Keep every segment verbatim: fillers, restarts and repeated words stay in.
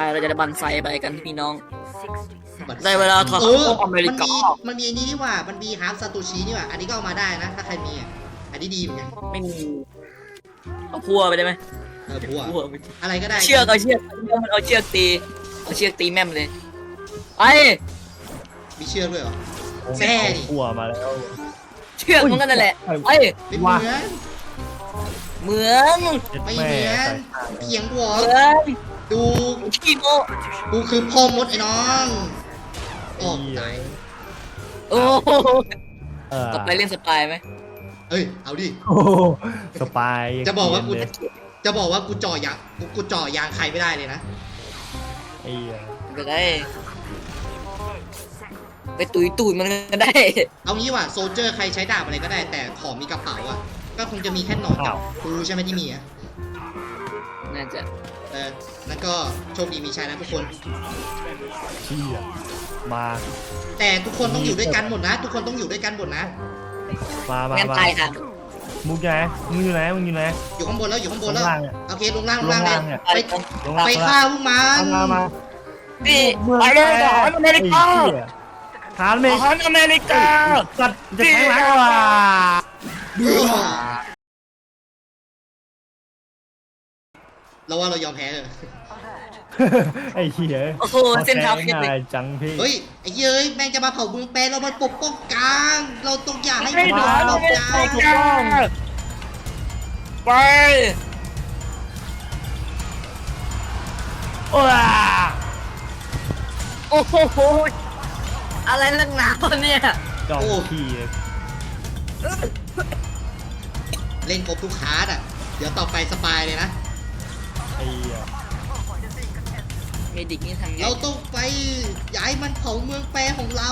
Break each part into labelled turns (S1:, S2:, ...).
S1: เราจะได้บันไซไปกันพี่น้อง
S2: บัตร
S1: ได้เวลาถอด
S2: เอ
S1: พ
S2: อ
S1: วกอเมริ
S2: มัน
S1: กา
S2: มีมันมีอันนี้นี่หว่ามันมีฮาร์ฟซาโตชินี่หว่าอันนี้ก็เอามาได้นะถ้าใครมีอ่ะอันนี้ดีเหมือนกัน
S1: ไม่มีเอาพัวไปได้ไหม
S2: เออพัว
S1: พัวไป
S2: อะไรก็ได้
S1: เชือกเอาเชือกมันเอาเชือกตีเอาเชือกตีแม่มเลยไป
S2: มีเชือกด้วยเหรอแซ่ดิ
S3: กลัวมาแล้ว
S1: เชือกมันก็นั่นแหละไป
S2: ไม่เหมือน
S1: เหมือน
S2: ไม่เหมือนเถียงกูเหรอ
S1: เหมือน
S2: ดู
S1: ขี้โม
S2: กูคือพ่อมดไอ้น้องโอ้ตาย
S1: โอ้โห
S3: เออ
S1: ต่อไปเล่นสปายไหม
S2: เอ้ยเอาดิ
S3: โอ้สปาย
S2: จะบอกว่ากู
S3: เนียนเลย
S2: จะบอกว่ากูจ่อยางกูกูจ่อยางใครไม่ได้เลยนะ
S3: ไอ้เหี้ย
S1: ก็ได้ ไปตุยตุยมันก็ได้
S2: เอางี้ว่ะโซลเจอร์ใครใช้ดาบอะไรก็ได้ แต่ของมีกระเป๋าอ่ะก็คงจะมีแค่หนอนกับกูใช่ไหมที่มีอ่ะ
S1: น่าจะ
S2: เออนั่นก็โชคดีมีชัยนะทุกคน
S3: เชี่ยมา
S2: แต่ทุกคนต้องอยู่ด้วยกันหมดนะ ทุกคนต้องอยู่ด้วยกันหมดนะ
S3: มามา
S1: งั้น
S3: มา
S1: ตายค่ะ
S3: มึงอยู่ไหนมึงอยู่ไหนมึงอยู่ไหน
S2: อยู่ข้างบนแล้วอยู่ข้างบนแล้ว
S3: ลงล่างเนี่ย
S2: โอเคลงล่างล
S3: ล
S2: ง
S3: ง
S2: ล่างเล
S3: ล่าย งเนี่ย
S2: ไป
S3: ลงล่าง
S2: ไป
S3: ลง
S2: ฆ่า
S3: ล่าง
S2: พวกมัน
S3: มามา
S1: นี่ไปเลยทหารอเมริกา
S3: ทหารอเม
S1: ท
S3: ริกา
S1: หารอเมริกา
S3: สัตว์จะแข็งแรงกว่า
S2: เราว่าเรายอมแพ้เลย
S3: ไอ้เหี้ย
S1: โอ้โหเส้นทางคิดเลย
S3: ง่ายจังพี่
S2: เฮ้ยไอ้เย้ยแม่งจะมาเผาเมืองแปรเรามาปกป้องกลาง เราต้องอย่าให้
S1: ไม่
S2: มัน
S1: ได้
S2: มาเรา
S1: ไม่
S2: ก
S1: ได้
S2: ลาง
S1: ถูกต้องไป
S3: โอ้ย
S1: โอ้โหอะไรนักหนาวะเนี่ย
S3: จอมขี้
S2: เล่นครบทุกคาร์ดอ่ะ เดี๋ยวต่อไปสปายเลยนะ
S3: ไอ้เหี้ย
S1: เมดิกนี่ทำไง
S2: เราต้องไปย้ายมันเผาเมืองแปรของเรา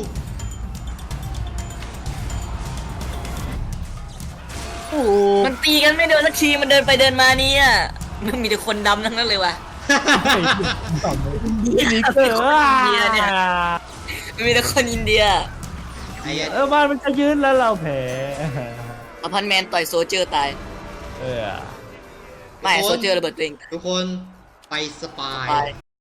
S3: โอ้โห
S1: มันตีกันไม่เดินสักทีมันเดินไปเดินมาเนี่ยมันมีแต่คนดำทั้งนั้นเลยว่ะ
S3: ไอ้เหี้ยต่อเลยนี่เกอร์
S1: เหี้ยเนี่ย มันมีแต่คนอินเดีย
S2: ไอ้เหี้ย
S3: เออบ้านมันจะยืนแล้วเราแพ้
S1: อพันแมนต่อยโซเจอร์ตาย
S3: เออ
S1: ไม่โซเจอร์ระเบิดตัวเอง
S2: ทุกคนไปสปาย
S1: ตาย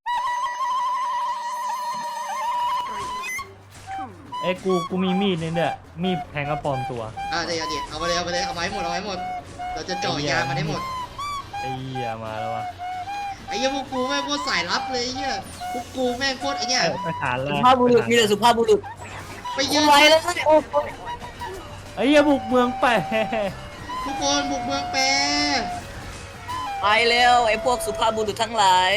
S3: เอ้ยกูกูมีมีดนี่เนี่ยมีดแทงกระปอมตัว
S2: อ่ะเดี๋ยวเดี๋ยวเอาไปเลยเอาไปเลยเอาไว้หมดเอาไว้หมด เราจะเจ่อยางมันให้หมด
S3: ไอ้เหี้ยมาแล้ววะ
S2: ไอ้เหี้ยพวกกูแม่งโคตรสายลับเลยไอ้เหี้ยพวกกูแม่งโคตรไอ้เนี่ย
S3: เอ้ยไปฐานแล้
S1: สุ
S3: ว
S1: ภาพบุรุษมีแต่สุภาพบุรุษ
S2: ไป
S1: ยื
S2: ยื
S1: น
S2: น
S1: ไว้แล้วโอ้โห
S3: ไอ้เหี้ยบุกเมืองไป
S2: ทุกคนบุกเมืองแปร
S1: ไปเร็วไอ้พวกสุภาพบุรุษทั้งหลาย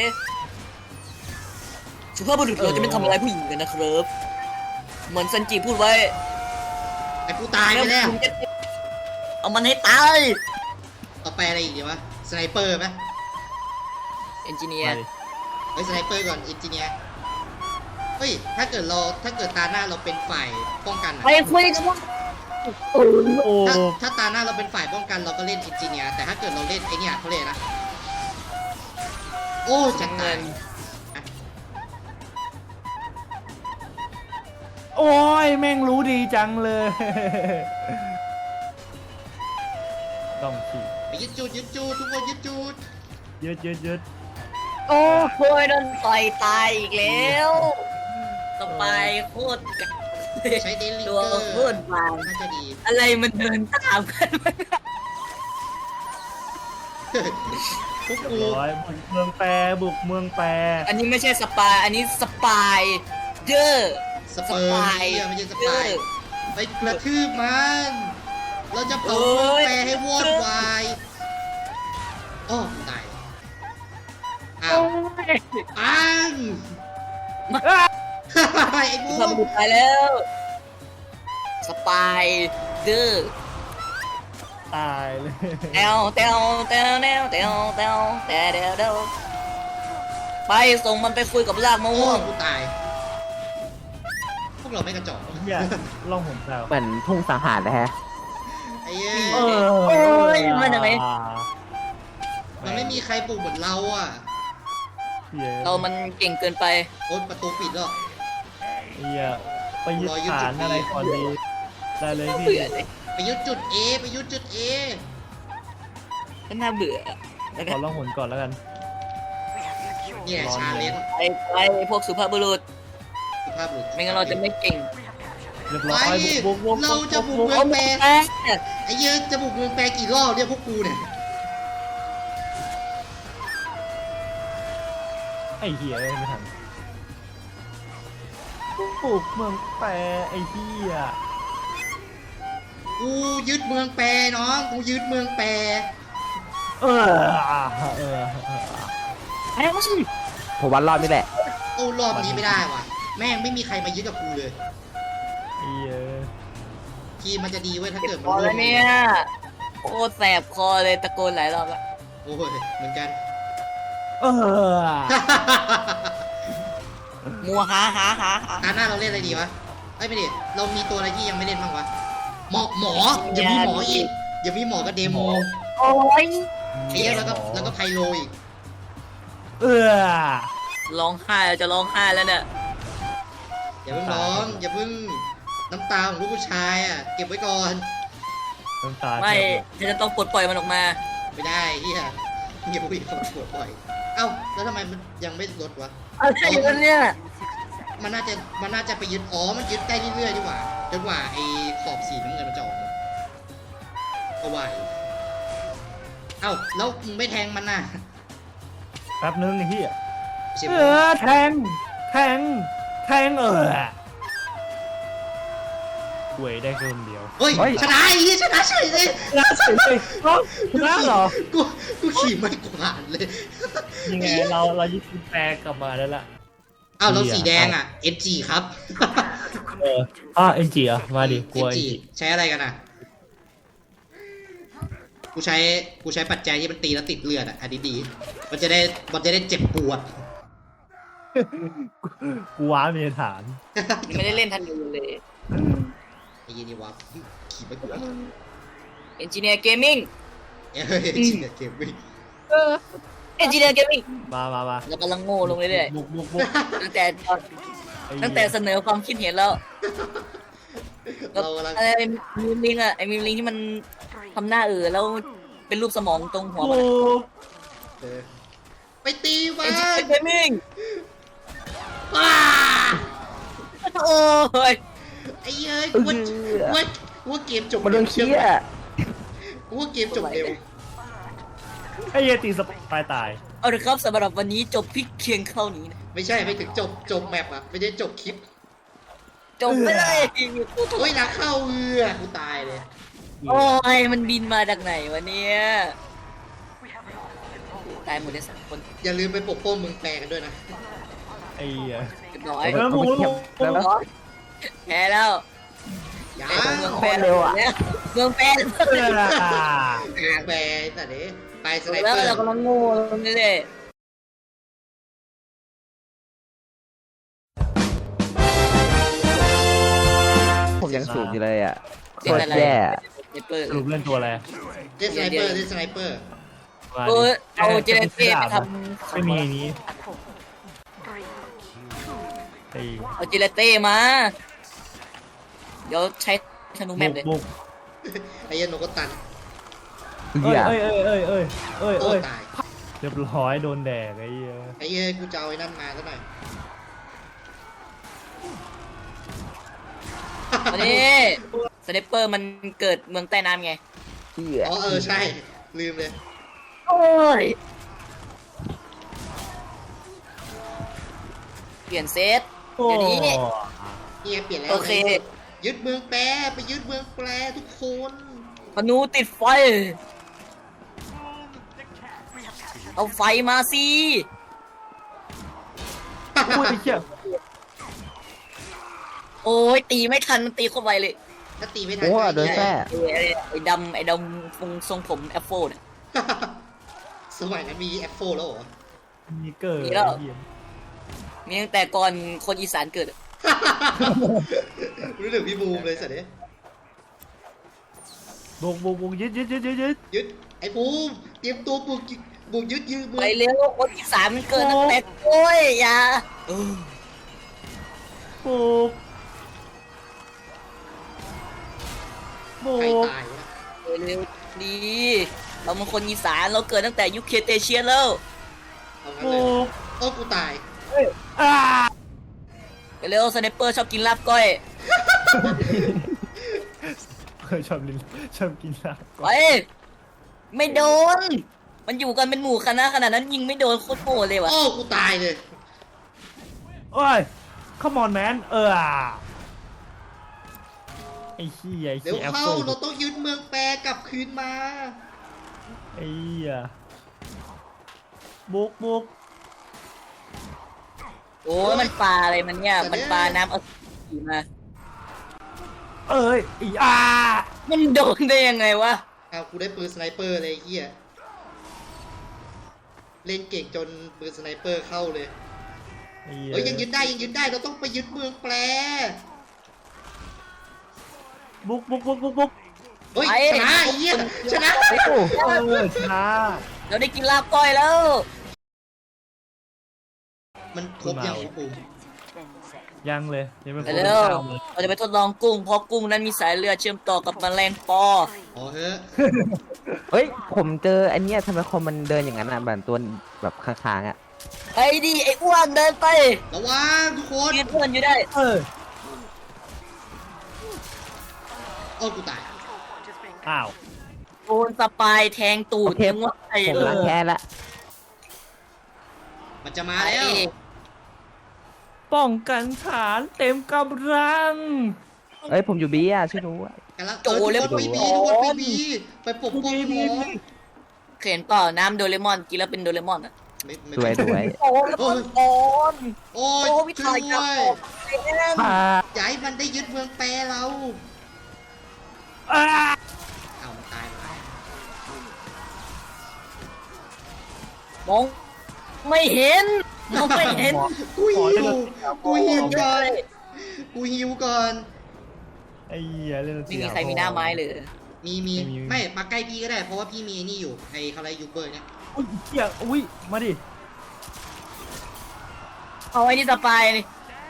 S1: สุภาพบุรุษเราจะไม่ทำอะไรผู้หญิงกันนะครับเหมือนซันจิพูดไว้
S2: ไอ้กูตายไปแล้ว
S1: เอามันให้ตาย
S2: ต่อไปอะไรอีกดีวะสไนเปอร์ไหม
S1: เอนจิเนียร์
S2: เฮ้ยสไนเปอร์ก่อนเอนจิเนียร์เฮ้ยถ้าเกิดเราถ้าเกิดตาหน้าเราเป็นฝ่ายป้องกันอะ
S1: ไปคุยกันว่า
S3: โอ้
S2: ถ้าถ้าตาหน้าเราเป็นฝ่ายป้องกันเราก็เล่นเอนจิเนียร์แต่ถ้าเกิดเราเล่นไอเนี่ยเขาเรียกนะโอ้จัดตาย
S3: โอ้ยแม่งรู้ดีจังเลย ต้องขี่
S2: ไปยึดจูดยึดจูดทุกคนยึดจูด
S3: ยืดยืดยืด
S1: โอ้โหโดนต่อยตายอีกแล้วต่อไปโคตรกัด
S2: ใช้เดลิ
S1: ตัว
S2: เกอร์
S1: โคตรบาง
S2: น่าจะดี
S1: อะไรมันเดินตามกัน
S2: พวกกู
S3: ร้อยบุกเมืองแปรบุกเมืองแปร
S1: อันนี้ไม่ใช่สปายอันนี้สปายเดอร์
S2: สเปิร์มไอ้เหี้ยไม่ใช่สปายไปกระทืบมันเราจะเผาเมืองแปรให้วอดวายโอ้ตายอ้าวปังไอ้บู
S1: ทำบุกไปแล้วสปายเดอร์
S3: ตายเลย
S1: เตวเตวเตวเตวเตวเตวเตวเตวเตวไปส่งมันไปคุยกับลากมะ
S2: โอ้
S1: ม่วง
S2: กูตายพวกเราไม่กระจอก
S3: เนี่ยล่องหนแซว
S4: เหมือนทุ่งสังหารนะฮะ
S2: ไอ้เหี้ย
S3: เออ
S1: โอ้ยมันยังไง
S2: มันไม่มีใครปลูกเหมือนเราอ่ะ
S1: เรามันเก่งเกินไป
S2: โอ๊ยประตูปิดแล้ว
S3: เฮียไปยึดฐานอะไรก่อนดีได้เลยพี่
S1: เบื่อเลย
S2: ไปยึดจุด A ไปยึดจุด A
S1: ก็น่าเบื่อแล้ว
S3: ข
S1: กั
S3: อน ล่องหนก่อนแล้วกัน
S2: เนี่ยชาเลนจ์
S1: ไปไปพวกสุภาพบุรุษ
S2: สุภาพบุรุษ
S1: ไม่งั้นเราจะไม่เก่ง
S3: เรียบ
S2: ไป
S3: ร้อยบุกบุกบุก
S2: เราจะบุกเมื
S1: โอ้
S2: อง
S1: โห
S2: แปร
S1: แม่
S2: ไอ้เหี้ยจะบุกเมืองแปรกี่รอบเนี่ยพวกกูเนี่ย
S3: ไอ้เหี้ยไม่ทันบุกเมืองแปรไอ้เหี้ย
S2: กูยึดเมืองแปรน้องกูยึดเมืองแปร
S3: เออเออ
S1: แพ้ก็สิ
S4: ผมวันรอบนี่แหละ
S2: โอ้รอบนี้ไม่ได้ว่ะแม่งไม่มีใครมายึดกับกูเลย
S3: ไอ้เหี้ย
S2: ทีมมันจะดีเว้ยถ้า
S1: เจ็
S2: เกิด
S1: บ
S2: มั
S1: คอน
S2: ร่
S1: แล้ว ว
S2: ม
S1: เนี่ยโคตรแสบคอเลยตะโกนหลายรอบแล้ว
S2: โอ้ยเหมือนกัน
S3: เออ
S1: มัวหาหาหาหา
S2: ตาหน้าเราเล่นอะไรดีวะไอ้ยไม่ดิเรามีตัวอะไรที่ยังไม่เล่นบ้างวะหมอหมออย่ามีหมออีกอย่ามีหมอกับเดโม
S1: โอ้ย
S2: ไอ้เหี้ยแล้วก็แล้วก็ไพโลอีก
S3: เออ
S1: ร้องไห้เราจะร้องไห้แล้วเนี่ย
S2: อย่าเพิ่งร้องอย่าเพิ่งน้ำตาของลูกผู้ชายอ่ะเก็บไว้ก่อน
S3: น้ำตา
S1: ไม่ฉันจะต้องปลดปล่อยมันออกมา
S2: ไม่ได้เฮียอย่าพูดคำปวดปล่อย เอ้าแล้วทำไมมันยังไม่ลดวะ
S1: อะไรอยู่กันเนี่ย
S2: มันน่าจะมันน่าจะไปยึดอ๋อมันยึดได้เรื่อยๆดีกว่าจนกว่าไอ้ขอบสีน้ำเงินมันจะออกมาเอาไว้เอ้าแล้วมึงไม่แทงมันน่ะ
S3: แป๊บนึงไอ้เหี้ย
S2: เสีย
S3: เออแทงแทงแทงเออหวยได้เพิ่มเดียว
S2: เฮ้ย
S4: เฮ้ย
S2: ชนะไอ้เหี้ยชนะเฉยเลย
S3: น่าเสียเลยเอ้าชนะเหรอ
S2: กูกูขี่ไม่กวาดเลย
S3: ยังไงเราเรายึดกุญแจกลับมาแล้วล่ะ
S2: เอ้าแล้วสีแดงอ่ะ เอส จี ครับ
S3: เอออ่ะเอ็นจีอ่ะมาดิกลัว
S2: เอ
S3: เอ็น
S2: ส จี
S3: จี
S2: ใช้อะไรกันอ่ะกูใช้กูใช้ปัจจัยที่มันตีแล้วติดเลือดอ่ะอันนี้ดีมันจะได้มันจะได้เจ็บปวด
S3: กูว้ามีฐาน
S1: ยังไม่ได้เล่นทันอยู่เลย
S2: ไอ้ยี่นี่วะขี่ไม่กวาด
S1: เอนจิเนียร์เกมมิ่ง
S2: เอ้ยจริงอะเกมวิ่ง
S1: เอนจิเนียร์เกมมิ่ง
S3: มามามา
S1: เรากำลังโง่ลงเรื่อย
S3: บุกบุกบุก
S1: ๆตั้งแต่ตอน
S3: ไอ้เหี้ย
S1: ตั้งแต่เสนอความคิดเห็นแล้ว
S2: เรากำลัง
S1: อะไรมีมลิงอะไอ้มีมลิงที่มันทำหน้าเออแล้วเป็นรูปสมองตรงหัว
S3: บุ
S1: มัน
S3: ก
S2: เออไปตีมั
S1: เอน
S2: น
S1: จิเนียร์เกมมิ่ง
S2: ว้า
S1: โอ้ย
S2: ไอ้เอ้ยกูว่ากูว่ากูว่าเกมจบ
S4: มันเรื่องเชี่ย
S2: กูว่าเกมจบเร็ว
S3: ไอ้เหี้ยตีสปายตาย
S1: เอาละครับสำหรับวันนี้จบพลิกเคียงเข้านี้นะ
S2: ไม่ใช่ไม่ถึงจบจบแมปอะไม่ได้จบคลิป
S1: จบไปเลย
S2: เฮ้ยนักเข้าเอือกูตายเลย
S1: โอ้ยมันบินมาจากไหนวะเนี่ยตายหมดเลยสามคน
S2: อย่าลืมไปปกป้องเมืองแปลกันด้วยนะ
S3: ไอ้เหี้ย
S1: เรียบร้อย
S3: เออบุกบุกบุก
S4: แล้วนะ
S1: แพ้แล้ว
S2: อย่า
S1: ไอ้เมือง
S4: โค
S1: แปร
S4: ตรเร็วอะ
S1: แล้วเมืองแปร
S3: เออ
S2: เมืองแปลแต่เนี้ไปสไน
S1: แล้ว
S2: เปอร์
S1: เรากำลังโง่ลงเรื่อย
S4: ผมยังสูงอยู่เลยอ่ะ
S1: ๆ
S4: โคตรแย่
S1: เจ็บเปิด
S3: สรุปเล่นตัวอะไร
S2: เล่นสไนเปอร์เล่นสไนเปอร์
S3: มา
S1: โอ้ย
S3: ดิ
S1: เอาเจเนเต้ไปทำ
S3: ไม่มีไอ้นี้ไอ้
S1: เอาเจเนเต้มา เดี๋ยวใช้ธนูแม
S3: บุ
S1: ป
S3: ก
S1: เลย
S3: บุก
S2: ไอ้เหี้ยันโนกตัน
S3: เอ้ย
S4: เหี้ย
S3: เอ้ยเอ้ยเอ้ยเอ้ยเอ้ย
S2: โอ้
S3: เอ้ย
S2: ตาย
S3: เรียบร้อยโดนแดกไอ้เหี้ย
S2: ไอ้เอ้ยกูจะเอาไอ้นั่นมาซะหน่อย
S1: วันนี้สไนเปอร์มันเกิดเมืองใต้น้ำไง
S4: เหี้ย
S2: อ๋อเออใช่ลืมเลย
S1: โอ้ย เปลี่ยนเซต
S3: โอ้
S1: เดี๋ยวนี้
S2: เนี่ยเปลี่ยนแล้ว
S1: โอเค
S2: ยึดเมืองแปรไปยึดเมืองแปรทุกคน
S1: ธนูติดไฟ เอาไฟมาสิ
S3: พูดไอ้เหี้ย
S1: โอ้ยตีไม่ทันมันตีเข้าไปเลย
S2: ถ้าตีไม่ทัน
S4: โอ้
S2: ก็
S4: โดน
S2: แย่
S4: แท้
S1: ไอ้ไอ้ไอ้ดำไอ้ดำทรงทรงผมแอปโฟเนี่ย
S2: สมัยนั้นมีแอปโฟแล้วเหรอ
S3: มีเกิด
S1: มีแล้ว
S3: ไอ้เหี้ย
S1: มีตั้งแต่ก่อนคนอีสานเกิดอะ
S2: รู้ถึงพี่บูมเลยสัตว์เนี่ย
S3: บุกบุกบุกยึดยึดยึดยึดยึด
S2: ยึดไอ้บูมเตรียมตัวบุกยึดบุกยึดยืมมือ
S1: ไปเร็วคนอีสานมันเกิดตั้งแต่โอ้ยอย่าเออ
S3: บุกบุ
S2: ใคร
S3: ก
S2: ตายวะ
S1: ไปเร็วดีเรามันคนอีสานเราเกิดตั้งแต่ยุคเครเตเชียนแล้ว
S2: เอางั้น
S3: บุ
S2: เลย
S3: ก
S2: โอ้กูตาย
S3: อ้า
S1: เร็วสไนเปอร์ชอบกินลาบก้อย
S3: เออชอบลินชอบกินลาบ
S1: ไปไม่โดน มันอยู่กันเป็นหมู่คณะขนาดนั้นยิงไม่โดนโคตรโหดเลยวะ
S2: โอ้กูตายเลย
S3: โอ้ย come on man เออไอ้ขี้ยไอ้
S2: เดี๋ยว
S3: ขี้แอป
S2: เข้า
S3: เปิล
S2: เราต้องยึดเมืองแปรกลับคืนมา
S3: ไอ้เหี้ยบุกบุก
S1: โอ้ยมันปลาอะไรมันเนี่ยมันปลาน้ำเอาสีมา
S3: เอ้ยอีอา
S1: มันโดนได้ยังไงวะ
S2: เอากูได้ปืนสไนเปอร์เลยไอ้เฮียเล่นเก่งจนปืนสไนเปอร์เข้าเลย
S3: ไอ้เหี้ย
S2: เฮ้ยยังยึดได้ยังยึดได้เราต้องไปยึดเมืองแปร
S3: บุกบุกบุกบุกบุก
S2: เฮ้ยชนะไอ้เหี้ยชนะ
S3: เออชนะ
S1: เราได้กินลาบก้อยแล้ว
S2: มันครบยังปู
S3: ยังเลยยังไม่ครบ
S1: เร็ว
S3: ข้าวเลย
S1: เราจะไปทดลองกุ้งเพราะกุ้งนั้นมีสายเลือดเชื่อมต่อกับแมลงปอ
S2: อ๋อเฮ้ย
S4: เฮ้ย ผมเจออันเนี้ยทำไมคอมมันเดินอย่างนั้นอ่ะเหมือนตัวแบบค้างๆอ่ะ
S1: ไอ้ดิไอ้อ้วนเดินไป
S2: ระวังทุกคน
S1: ยืนเพื่อนอยู่ได้
S3: เออ
S2: โอ้กูตาย
S3: อ้าว
S1: โดนสปายแทงตูดทิ้งไว้
S4: ผม
S1: เล
S4: ล้าง
S1: ย
S4: แค้นละ
S2: มันจะมา
S1: ไอ้
S2: แล้ว
S3: ป้องกันฐานเต็มกำลัง
S4: เอ้ยผมอยู่บีอ่ะช่วยดูอ่ะ
S2: กันละเออทุกคนไปบีทุกคนไปบีไปปกป้องหมอ
S1: เขียนเปล่าน้ำโดเรมอนกินแล้วเป็นโดเรมอนอ่ะ
S2: ไม่ไม่
S4: สวยสวย
S1: โอ้แล้วมันโอน
S2: โอ้ย
S1: โอ้วิ
S2: ช่
S1: ทา
S2: วย ย
S1: กับ
S2: ด้วย
S1: ไอ้แอน
S4: พา
S2: อย่าให้มันได้ยึดเมืองแปรเรา
S3: อ้า
S2: เอามันตายไป
S1: มองไม่เห็นมองไม่เห็น
S2: กูหิวกูหิวก่อนกูหิวก่อน
S3: ไอ้เหี้ยเล่นดนต
S1: ไม่มีใครมีหน้าไม้เลย
S2: มีมีไม่มาใกล้พี่ก็ได้เพราะว่าพี่มีไอ้นี่อยู่ไอ้คารายูเบอร์เนี่ย
S3: อุ้ยเหี้ยอุ้ยมาดิ
S1: เอาไอ้นี่สปายนี่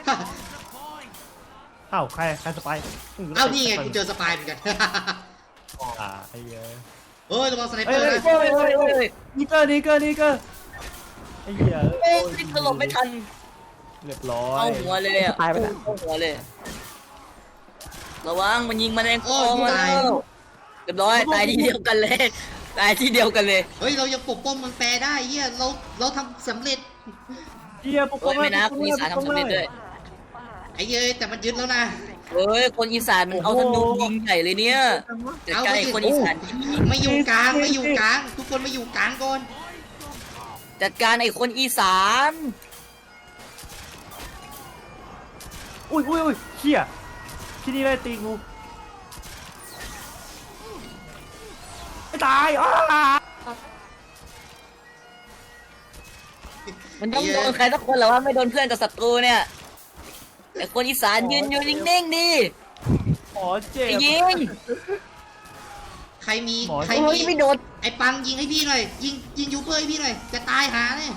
S3: อ้าวใครใครสไปร์
S2: เอานี่ไงกูเจอสปายเหมือนกัน
S3: อ่าไอ้เหี้ย
S2: เฮ้ยระวังสไนเปอร์นะ
S1: โอ้ยโอ้ยโอ้ย
S3: นี่เกอร์นี่เกอร์นี่เกอร์ไอ้เหี้ย
S1: โอ้ยนี่ถล่มไม่ทัน
S3: เรียบร้อย
S1: เอาหัวเลยอ่ะ
S4: ตายไปแล้ว
S1: เอาหัวเลยระวังมันยิงมันเอง
S2: โอ้ย
S1: โอ้
S2: กู
S1: มา
S2: ตาย
S1: แล้วเรียบร้อยตายที่เดียวกันเลยตายที่เดียวกันเลย
S2: เฮ้ยเรายังปกป้องเมืองแปรได้เฮียเราเราทำสำเร็จ
S3: เหี้ยปก
S1: โอ้ยไม่นะ
S3: ป
S1: ค
S3: ก
S1: น
S3: ป้
S1: อี
S3: อง
S1: สานทำสำเร็จด้วย
S2: ไอ้เย้ยแต่มันยึดแล้วนะ
S1: เฮ้ยคนอีสานมันเอาธนูยิงใหญ่เลยเนี่ยจัดการไอ้คนอีสานที่นี่
S2: ไม่อยู่กลางไม่อยู่กลาง ทุกคนไม่อยู่กลางก่อน
S1: จัดการไอ้คนอีสาน
S3: อุ้ยอุ้ยอุ้ยเหี้ยที่นี่ได้ตีกูไม่ตายอ้า
S1: มันต้องโดนใครสักคนแหละว่าไม่โดนเพื่อนกับศัตรูเนี่ยไอ้คนอีสานยืนอยู่นิ่งๆดิ
S3: หมอเจ็บ
S1: ไอ้ยิง
S2: ใครมี
S3: หมอ
S2: ใคร
S1: โอ้ย
S2: มี
S1: ไม่โดน
S2: ไอ้ปังยิงให้พี่หน่อย ยิงยิงยูเบอร์ให้พี่หน่อย จะตายหาเลย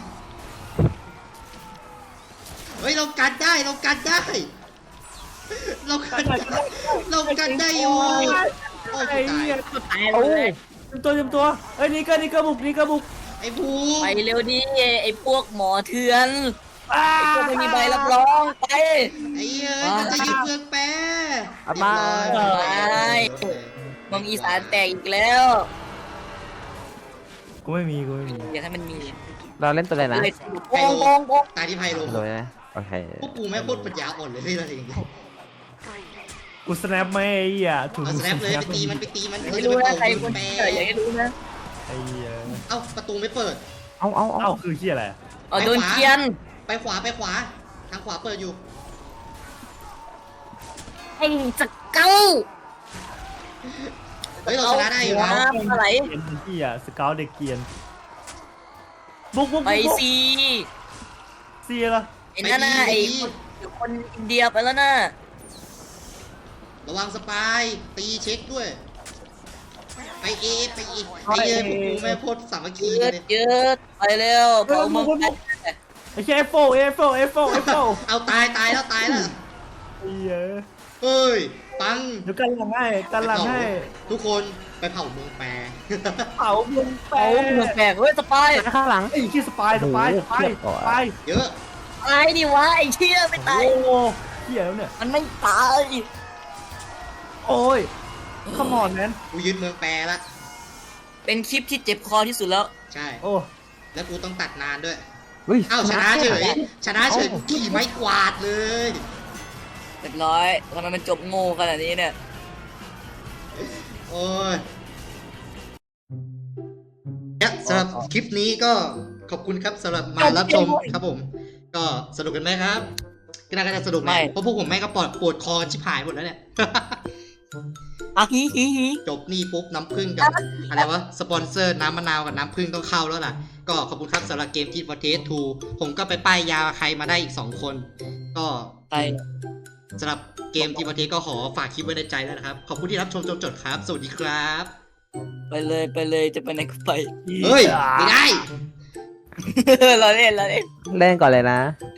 S2: เฮ้ยเรากันได้เรากันได้ เรากันได้เรากันได้อยู่โอ้ย
S3: ไอ้
S2: กูตาย
S3: เหี้ย
S1: ตายเลย
S3: เต็มตัวเต็มตัวเอ้ยนี่เกอร์นี่เกอร์บุกนี่เกอร์บุก
S2: ไอ้ภู
S1: ไปเร็วดิไอ้พวกหมอเถื่อน
S3: อ้า
S1: ไอ้พวกไม่มีใบรับรองไป
S2: ไอ้เอ้ยมันจะยึดเมืองแปร
S4: เอามา
S2: เรียบร้อย
S1: ไป เมืองอีสานแตกอีกแล้ว
S3: กูไม่มีกูไม่มี
S1: อยากให้มันมี
S4: เราเล่นตัวอะไรนะ
S1: เลยโปงโปงโปง
S2: ตายที่ไพโล
S4: ตัวอะไรนะโอเค
S2: พวกกูแม่งโคตรปัญญาอ่อนเลยที่เราเอง
S3: กูสแนปไม่ไอ้เหี้ยถูก
S2: เอาสแนปเลยไปตีมันไปตีมัน
S1: ไม่รู้นะใครคนที่เกิดอยากให้รู้นะ
S3: ไอ้เหี้ย
S2: เอ้าประตูไม่เปิด
S4: เอาเอาเอา
S3: เอ้าคือเหี้ยอะไรอะ
S1: อ๋อโดนเคียน
S2: ไปขวาไปขวา ทางขวาเปิดอยู่
S1: ไอ้สเก้า
S2: เฮ้ยเราชนะได้อยู่
S1: เา
S2: นะ
S1: หัวอะไร
S3: เกียนเหี้ยสเกลเด็กเกียนบุกบุก
S1: ไป
S3: บุกบุก
S1: ซี
S3: เสียละ
S1: ไอ้นั่นน่ะไอ้คนคนอินเดียไปแล้วน่ะ
S2: ระวังสปายตีเช็คด้วย ไปเอไปเอไอ้เอ้ยพวกกูแม่งโคตรสามัคคี
S1: ยื
S2: เล
S1: ด
S2: ย
S1: ยืดไปเร็วเผาเมืองไป
S3: ไอ้แค่เอฟโฟเอฟโฟเอฟโฟเอฟโฟ
S2: เอาตายตายแล้วตายแล้ว
S3: ไอ้เหี้ย
S2: เฮ้ย ไปปัง
S3: เดี๋ยวกันหลังให้กันหลังให้
S2: ทุกคนไปเผาเมืองแปร
S3: เผาเมืองแป
S1: เอาเมืองแปลกเฮ้ยสปาย
S4: ข้างหลัง
S3: ไอ้ขี้สปายสปายสปายสปาย
S2: เยอะ
S1: ตายดิวะไอ้เชี่ยไม่ตาย
S3: โอ้โหเหี้ยแล้วเนี่ย
S1: มันไม่ตาย
S3: โอ้ยขมอนแมน
S2: กูยึดเมืองแปรละ
S1: เป็นคลิปที่เจ็บคอที่สุดแล้ว
S2: ใช่
S3: โอ้
S2: แล้วกูต้องตัดนานด้วย
S4: เฮ้ย
S2: อ้าวชนะเฉย ชนะเฉยกูขี่ไม้กวาดเลย
S1: เรียบร้อยทำไมมันจบโง่ขนาดนี้เนี่ย
S2: โอ้ยเนี่ยสำหรับคลิปนี้ก็ขอบคุณครับสำหรับมารับชมครับผม ก็สนุกกันไหมครับก็น่าจะสนุกแหละเพราะพวกผมแม่งก็ปวดปวดคอชิบหายหมดแล้วเนี่ย
S1: อ่ะฮิฮิฮิ
S2: จบนี่ปุ๊บน้ำผึ้งกับอะไรวะสปอนเซอร์น้ำมะนาวกับน้ำผึ้งต้องเข้าแล้วล่ะ ก็ขอบคุณครับสำหรับเกมที่ฟอร์เทสทูผมก็ไปป้ายยาใครมาได้อีกสองคน ก็
S1: ไป
S2: สำหรับเกมที่ฟอร์เทสก็ขอฝากคลิปไว้ในใจแล้วนะครับ ขอบคุณที่รับชมจนจบครับ สวัสดีครับ
S1: ไปเลยไปเลยจะไปไหนก็ไป
S2: เฮ้ย ไม่ได้
S1: เราเล่นเราเล่น
S4: เล่นก่อนเลยนะ
S1: เ